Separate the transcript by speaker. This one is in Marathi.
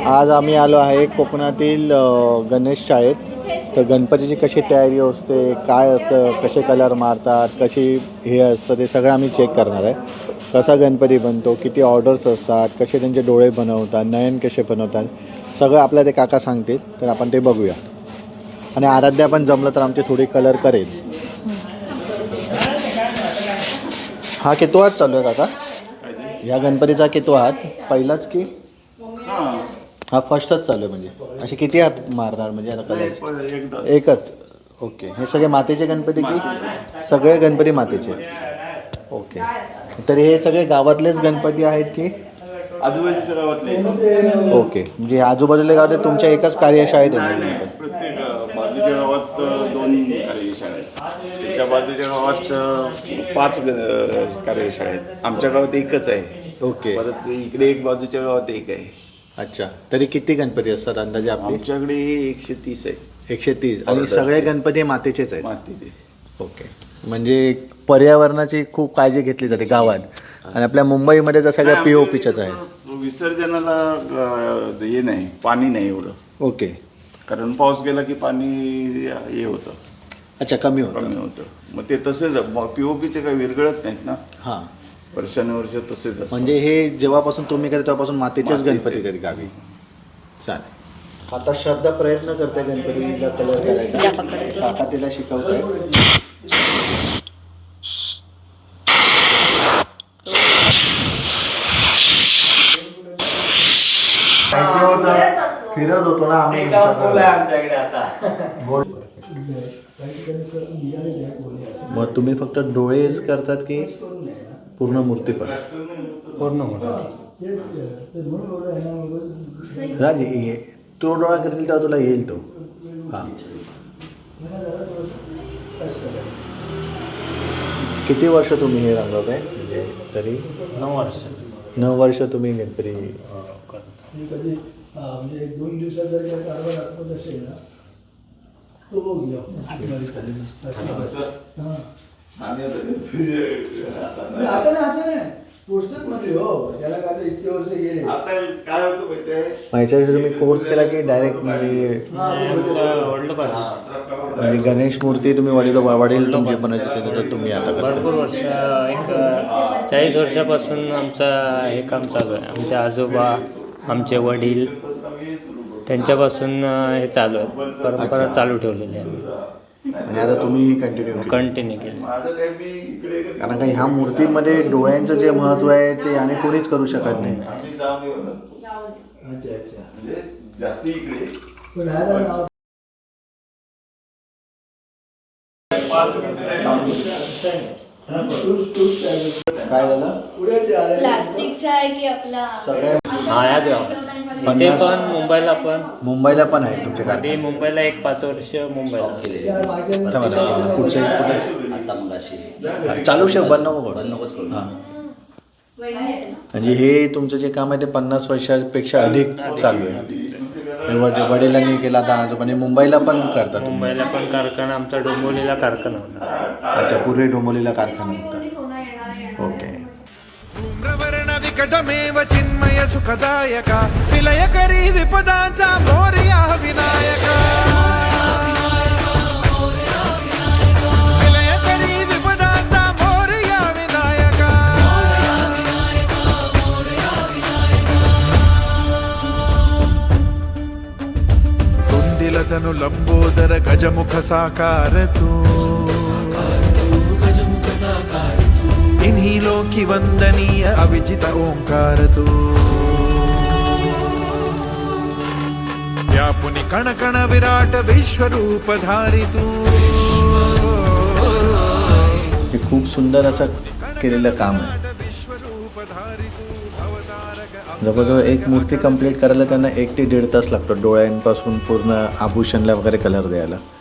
Speaker 1: आज आम्ही आलो आहे कोकणातील गणेश शाळेत. तर गणपतीची कशी तयारी असते, काय असतं, कसे कलर मारतात, कशी हे असतं, ते सगळं आम्ही चेक करणार आहे. कसा गणपती बनतो, किती ऑर्डर्स असतात, कसे त्यांचे डोळे बनवतात, नयन कसे बनवतात, सगळं आपल्या ते काका सांगतील. तर आपण ते बघूया. आणि आराध्या पण जमलं तर आमची थोडी कलर करेल. हा कितवा हात चालू आहे काका? या गणपतीचा कितवा हात? पहिलाच की हा फर्स्टच चालू आहे? म्हणजे असे किती हात मारणार म्हणजे आता कलर? एकच. ओके. हे सगळे मातीचे गणपती की सगळे गणपती मातीचे? ओके. तर हे सगळे गावातलेच गणपती आहेत की
Speaker 2: आजूबाजूच्या गावातले?
Speaker 1: ओके. म्हणजे आजूबाजूला गावात तुमच्या एकाच कार्यशाळेत आहे गणपती?
Speaker 2: प्रत्येक बाजूच्या गावात 2 कार्यशाळा आहेत, त्याच्या बाजूच्या गावात 5 कार्यशाळा आहेत. आमच्या गावात एकच आहे.
Speaker 1: ओके.
Speaker 2: परत इकडे एक, बाजूच्या गावात एक आहे.
Speaker 1: अच्छा. तरी किती गणपती असतात अंदाजे आपले?
Speaker 2: आमच्याकडे 130 आहे.
Speaker 1: 130. आणि सगळे गणपती मातीचेच आहेत?
Speaker 2: मातीचे.
Speaker 1: ओके. म्हणजे पर्यावरणाची खूप काळजी घेतली जाते गावात. आणि आपल्या मुंबईमध्ये तर सगळ्या POPच्याच आहे.
Speaker 2: विसर्जनाला हे नाही, पाणी नाही एवढं.
Speaker 1: ओके.
Speaker 2: कारण पाऊस गेला की पाणी हे होतं.
Speaker 1: अच्छा. कमी
Speaker 2: कमी होतं. मग ते तसेच POPचे काही विरघळत नाहीत ना.
Speaker 1: हां.
Speaker 2: वर्षानुवर्ष तसेच असतं.
Speaker 1: म्हणजे हे जेव्हापासून तुम्ही करता तेव्हापासून मातीचेच गणपती कधी गावी? चालेल. आता श्रद्धा प्रयत्न करते गणपतीला कलर करायचा. काका तिला शिकवतोय. फिरत होतो ना आम्ही. मग तुम्ही फक्त डोळेच करतात की पूर्ण मूर्ती पण?
Speaker 3: पूर्ण होतं.
Speaker 1: राज तो डोळा करतील तेव्हा तुला येईल तो. हां. किती वर्ष तुम्ही हे रंगवत आहे? म्हणजे तरी
Speaker 3: 9 वर्ष.
Speaker 1: 9 वर्ष तुम्ही गणपती
Speaker 4: कधी म्हणजे 2 दिवसात जर काही कारभार दाखवत असेल ना तो बघूया. आता नाही पुढचंच म्हणले हो, त्याला काय इतके वर्ष गेले.
Speaker 2: आता काय होतं माहितीये,
Speaker 1: माझ्यासाठी तुम्ही कोर्स केला की डायरेक्ट म्हणजे गणेश मूर्ती तुम्ही वडील तुमचे बनवायचे तर तुम्ही आता
Speaker 3: भरपूर
Speaker 1: करता?
Speaker 3: वर्ष, एक 40 वर्षापासून आमचं हे काम चालू आहे. आमचे आजोबा, आमचे वडील, त्यांच्यापासून हे चालू आहे. परंपरा चालू ठेवलेली आहे
Speaker 1: आणि आता तुम्ही कंटिन्यू
Speaker 3: केली.
Speaker 1: कारण का ह्या मूर्तीमध्ये डोळ्यांचं जे महत्त्व आहे ते आणि कोणीच करू शकत नाही.
Speaker 2: जास्ती इकडे
Speaker 4: पण ह्याला नाव
Speaker 1: काय झालं?
Speaker 5: प्लास्टिकचा आहे की आपला
Speaker 1: सगळ्या
Speaker 3: हा, याच गाव. इथे पण मुंबईला पण
Speaker 1: आहे तुमच्या
Speaker 3: आधी
Speaker 1: गाडी?
Speaker 3: मुंबईला एक 5 वर्ष मुंबईला.
Speaker 1: चालू शेव बंद नको. हां. म्हणजे हे तुमचं जे काम आहे ते 50 वर्षापेक्षा अधिक चालू आहे. वडिलांनी केला आता आजोबांनी. मुंबईला पण करतात?
Speaker 3: मुंबईला पण कारखाना, आमचा डोंबिवलीला कारखाना होता.
Speaker 1: अच्छा. पूर्वी डोंबिवलीला कारखाना होता. ओके.
Speaker 6: धूम्रवर्ण विकटमेव चिन्मय सुखदायका विलयकरी विपदांचा मोरया विनायका. विलयकरी विपदांचा मोरया विनायका. तुंदिल तनु लंबोदर गजमुख साकार तू. इन्हीं लोकी वंदनीय अविजित ओंकार तू. व्यापुनि कण कण विराट विश्वरूप धारी तू.
Speaker 1: हे खूप सुंदर असं केलेलं काम आहे. जवळजवळ एक मूर्ती कंप्लीट करायला त्यांना 1 ते 1.5 तास लागतो डोळ्यांपासून पूर्ण आभूषणला वगैरे कलर द्यायला.